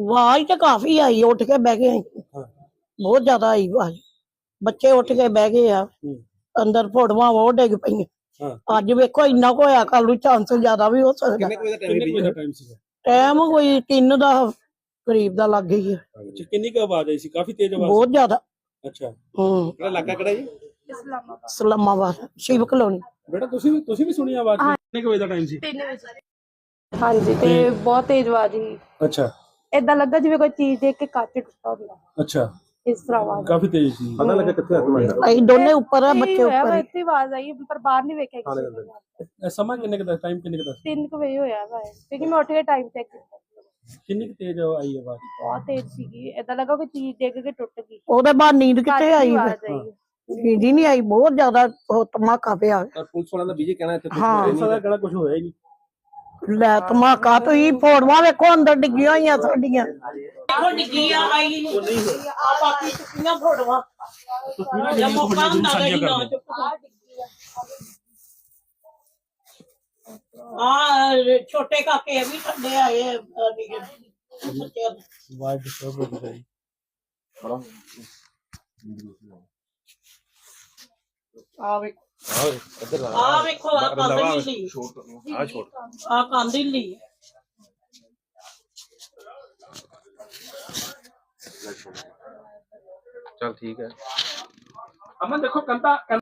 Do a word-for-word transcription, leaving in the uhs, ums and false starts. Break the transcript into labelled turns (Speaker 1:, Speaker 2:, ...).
Speaker 1: आवाज तो काफी आई, उठ के बह गए, बहुत ज्यादा आई आवाज। बच्चे उठ के बह गए आ, अंदर फोड़वा वो डिग पई। अज वेखो इन्ना को होया, कल नूं चांस ज्यादा भी हो सकदा। टाइम कोई तीन दा करीब दा लग गई है।
Speaker 2: अच्छा, किन्नी क आवाज आई सी? काफी तेज आवाज?
Speaker 1: बहुत ज्यादा।
Speaker 2: अच्छा,
Speaker 1: हम्म
Speaker 2: किहड़ा इलाका किहड़ा जी?
Speaker 1: इस्लामाबाद शिव कलोनी।
Speaker 2: बेटा तुसी भी तुसी भी सुनी आवाज? किन्ने क बजे दा टाइम सी?
Speaker 3: तीन बजे। हाँ जी, ते बहुत तेज आवाज ही।
Speaker 2: अच्छा,
Speaker 3: इदां लगा जिवें कोई चीज देख के कांच टुटा हुंदा।
Speaker 2: अच्छा,
Speaker 3: इस तरह आवाज
Speaker 2: काफी तेज सी। पता लगा कित्थे हक मारदा?
Speaker 1: अई दोने ऊपर है, बच्चे ऊपर है।
Speaker 3: इत्थे आवाज आई पर बाहर नहीं वेख्या किसी ने।
Speaker 2: समा किन्ने क दा टाइम किन्ने क दा?
Speaker 3: तीन बजे होया वा, क्योंकि मैं उठ के टाइम चेक किया।
Speaker 2: किन्नी क तेज आई आवाज?
Speaker 3: बहुत तेज सीगी, इदां लगा कोई चीज देख के टुट गई।
Speaker 1: ओदे बाद नींद कित्थे आई?
Speaker 3: आवाज आई।
Speaker 1: नींद ही नहीं आई, बहुत ज्यादा धमाका पिया।
Speaker 2: पुलिस वाला दा बीजे कहना इत्थे
Speaker 1: हाँ।
Speaker 2: पुलिस वाला कहना कुछ होया ही नहीं।
Speaker 1: ਲੈ ਧਮਾਕਾ ਤੁਸੀਂ ਫੋੜਵਾ ਵੇਖੋ ਅੰਦਰ ਡਿੱਗੀਆਂ ਹੋਈਆਂ ਸਾਡੀਆਂ। ਦੇਖੋ ਡਿੱਗੀਆਂ ਆਈ ਨਹੀਂ ਆ ਬਾਕੀ ਟੁੱਟੀਆਂ ਫੋੜਵਾ। ਤਸਵੀਰਾਂ ਮੌਕਾ ਹੁੰਦਾ ਨਹੀਂ ਨਾ ਆ ਛੋਟੇ ਕਾਕੇ ਵੀ ਠੰਡੇ ਆਏ ਬੱਚਿਆਂ ਦੇ।
Speaker 2: ਵਾਈਡ ਡਿਸਟਰਬ ਹੋ ਗਈ ਬੜਾ।
Speaker 1: ਆ ਵੇਖੋ ਆ ਵੇਖੋ ਆ ਕੰਧ ਹਿੱਲੀ,
Speaker 2: ਆ ਛੋੜ
Speaker 1: ਆ ਕੰਧ ਹਿੱਲੀ।
Speaker 2: चल ठीक है अमन देखो कंता